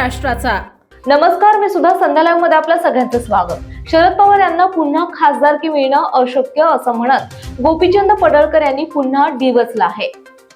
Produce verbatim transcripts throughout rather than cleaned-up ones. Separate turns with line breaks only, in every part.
महाराष्ट्राचा.
नमस्कार, मी सुद्धा संध्या लाईव्ह मध्ये आपल्या सगळ्यांचं स्वागत. शरद पवार यांना पुन्हा खासदारकी मिळणं अशक्य असं म्हणत गोपीचंद पडळकर यांनी पुन्हा डिवचलं आहे.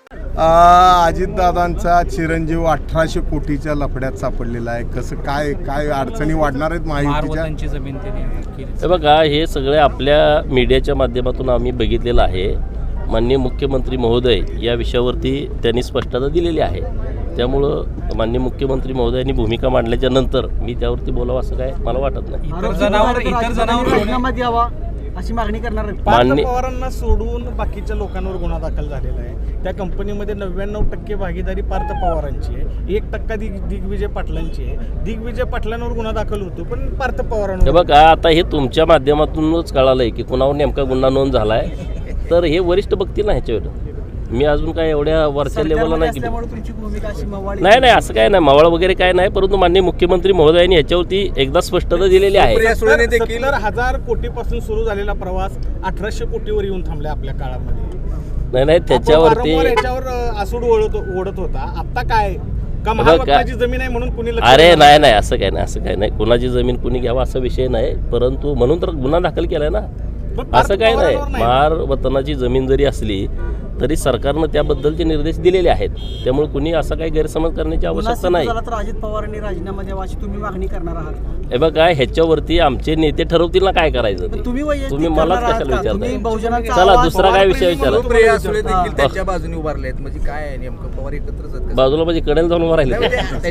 अजितदादांचा चिरंजीव अठराशे कोटीच्या लफड्यात सापडलेला आहे. कसं काय काय अडचणी वाढणार आहेत महायुतीच्या?
जमीन हे बघा, हे सगळे आपल्या मीडियाच्या माध्यमातून आम्ही बघितलेलं आहे. माननीय मुख्यमंत्री महोदय या विषयावरती त्यांनी स्पष्टता दिलेली आहे. त्यामुळं माननीय मुख्यमंत्री महोदयांनी भूमिका मांडल्याच्या नंतर मी त्यावरती बोलावं असं काय मला वाटत नाही.
इतर जनावर इतर जनावर राजीनामा द्यावा अशी मागणी करणार आहे.
मान्य
पवारांना सोडून बाकीच्या लोकांवर गुन्हा दाखल झालेला आहे. त्या कंपनीमध्ये नव्याण्णव टक्के भागीदारी पार्थ पवारांची आहे, एक टक्का दिग दिग्विजय पाटलांची आहे. दिग्विजय पाटलांवर गुन्हा दाखल होतो पण पार्थ पवारांवर.
बघा, आता हे तुमच्या माध्यमातूनच कळालंय की कुणावर नेमका गुन्हा नोंद झालाय. तर हे वरिष्ठ बघतील ना ह्याच्यावर. मी अजून काय एवढ्या वरच्या लेवलला नाही नाही नाही असं काय नाही, मावळ वगैरे काय नाही. परंतु माननीय मुख्यमंत्री महोदयांनी याच्यावरती एकदा स्पष्टता दिलेली आहे.
सत्तर हजार कोटीपासून सुरू झालेला प्रवास अठराशे कोटीवर येऊन थांबला आपल्या काळामध्ये.
नाही नाही त्याच्यावरती
याच्यावर आसूड ओढत ओढत होता. आता काय का महाराष्ट्राची जमीन आहे म्हणून कुणी?
अरे नाही नाही असं काय नाही, असं काय नाही. कुणाची जमीन कुणी घ्यावा असा विषय नाही. परंतु म्हणून तर गुन्हा दाखल केलाय ना, असं काय नाही. महार वतनाची जमीन जरी असली तरी सरकारनं त्याबद्दलचे निर्देश दिलेले आहेत. त्यामुळे कुणी असा काही गैरसमज करण्याची आवश्यकता नाही.
अजित पवारांनी राजीनामा द्यावा अशी तुम्ही मागणी करणार आहात?
हे बघा, ह्याच्यावरती आमचे नेते ठरवतील ना काय करायचं ते. तुम्ही मलाच कशाला विचारताय? चला दुसरा काय विषय विचारा.
त्यांच्या बाजूने उभारले आहेत म्हणजे काय नेमकं? पवार एकत्रच
बाजूला म्हणजे कडेला जाऊन उभं राहिले.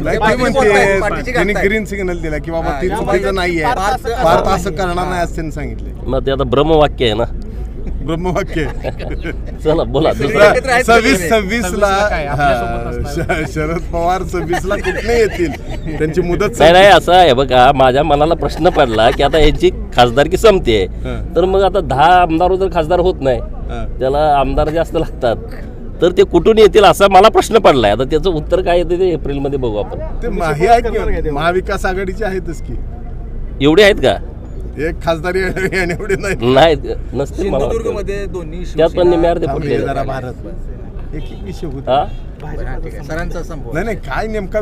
त्यांनी ग्रीन सिग्नल दिला की बाबा ती चुकीचं नाहीये, भारत असं करणार नाही असं त्यांनी सांगितले.
मग ते आता ब्रह्मवाक्य आहे ना,
ब्रह्मवाक्य.
चला बोला.
सव्वीस सव्वीस ला शरद पवार सव्वीस ला कुठे येतील? त्यांची मुदत
नाही नाही असं आहे. बघा, माझ्या मनाला प्रश्न पडला की आता यांची खासदारकी संपते, तर मग आता दहा आमदार जर खासदार होत नाही, त्याला आमदार जास्त लागतात, तर ते कुठून येतील असा मला प्रश्न पडलाय. आता त्याचं उत्तर काय येते ते एप्रिल मध्ये बघू आपण.
ते महाविकास आघाडीचे आहेतच की.
एवढे आहेत का?
एक खासदारी एवढे नाही
नाही नसते.
सिंधुदुर्गमध्ये दोन्ही
त्यात पण निम्यार्धे फुटले.
भारत एक एक विषय होता
सरांचा संभव
नाही नाही काय नेमका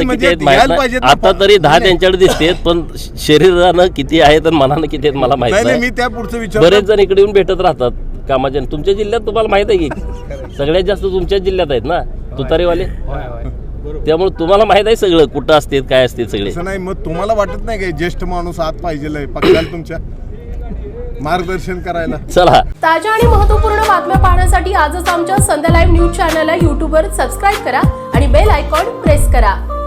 आता तरी दहा त्यांच्याकडे दिसते, पण शरीरानं किती आहेत आणि मनानं किती आहेत मला माहिती नाही.
मी त्या पुढचं विचार
बरेच जण इकडे येऊन भेटत राहतात कामाच्या. तुमच्या जिल्ह्यात तुम्हाला माहित आहे की सगळ्यात जास्त तुमच्याच जिल्ह्यात आहेत ना तुतारीवाले. त्यामुळे तुम्हाला माहित आहे सगळं कुठं असते काय असते सगळे.
नाही मग तुम्हाला वाटत नाही काय ज्येष्ठ माणूस आत पाहिजे पक्षाला तुमच्या मार्गदर्शन करायला?
चला, ताज्या आणि महत्त्वपूर्ण बातम्या पाहण्यासाठी आजच आमच्या संध्या लाईव्ह न्यूज चॅनलला यूट्यूबवर सबस्क्राईब करा आणि बेल आयकॉन प्रेस करा.